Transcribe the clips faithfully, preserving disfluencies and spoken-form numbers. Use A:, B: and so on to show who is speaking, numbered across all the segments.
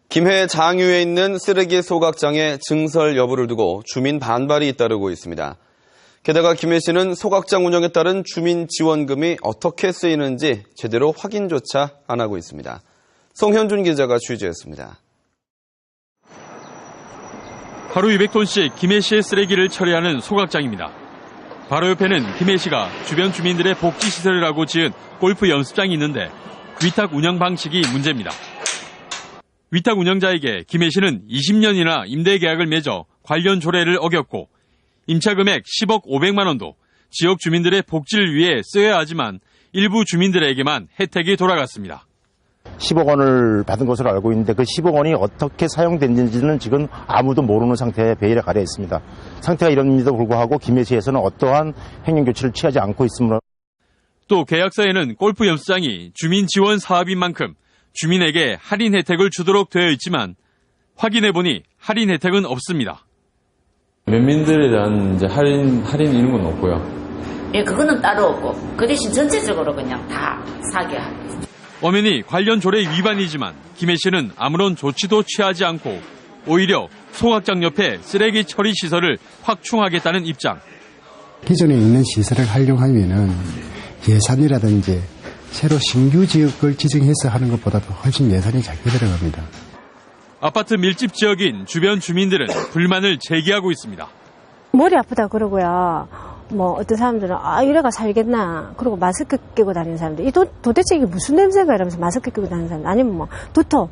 A: 김해 장유에 있는 쓰레기 소각장의 증설 여부를 두고 주민 반발이 잇따르고 있습니다. 게다가 김해시는 소각장 운영에 따른 주민 지원금이 어떻게 쓰이는지 제대로 확인조차 안 하고 있습니다. 송현준 기자가 취재했습니다.
B: 하루 이백 톤씩 김해시의 쓰레기를 처리하는 소각장입니다. 바로 옆에는 김해시가 주변 주민들의 복지시설을 하고 지은 골프 연습장이 있는데 위탁 운영 방식이 문제입니다. 위탁 운영자에게 김해시는 이십 년이나 임대 계약을 맺어 관련 조례를 어겼고 임차금액 십억 오백만 원도 지역 주민들의 복지를 위해 써야 하지만 일부 주민들에게만 혜택이 돌아갔습니다.
C: 십억 원을 받은 것으로 알고 있는데 그 십억 원이 어떻게 사용됐는지는 지금 아무도 모르는 상태에 베일에 가려 있습니다. 상태가 이런데도 불구하고 김해시에서는 어떠한 행정조치를 취하지 않고 있으므로
B: 또 계약서에는 골프 연습장이 주민 지원 사업인 만큼 주민에게 할인 혜택을 주도록 되어 있지만 확인해보니 할인 혜택은 없습니다.
D: 면민들에 대한 이제 할인, 할인 이런 건 없고요.
E: 예, 그거는 따로 없고 그 대신 전체적으로 그냥 다 사게 하고.
B: 엄연히 관련 조례 위반이지만 김해시는 아무런 조치도 취하지 않고 오히려 소각장 옆에 쓰레기 처리 시설을 확충하겠다는 입장.
F: 기존에 있는 시설을 활용하면은 예산이라든지 새로 신규 지역을 지정해서 하는 것보다도 훨씬 예산이 작게 들어갑니다.
B: 아파트 밀집 지역인 주변 주민들은 불만을 제기하고 있습니다.
G: 머리 아프다 그러고요. 뭐 어떤 사람들은 아 이래가 살겠나. 그리고 마스크 끼고 다니는 사람들. 이 도, 도대체 이게 무슨 냄새가 이러면서 마스크 끼고 다니는 사람들. 아니면 뭐 두터.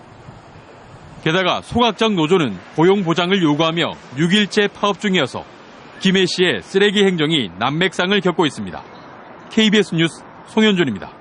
B: 게다가 소각장 노조는 고용 보장을 요구하며 육 일째 파업 중이어서 김해시의 쓰레기 행정이 난맥상을 겪고 있습니다. 케이비에스 뉴스 송현준입니다.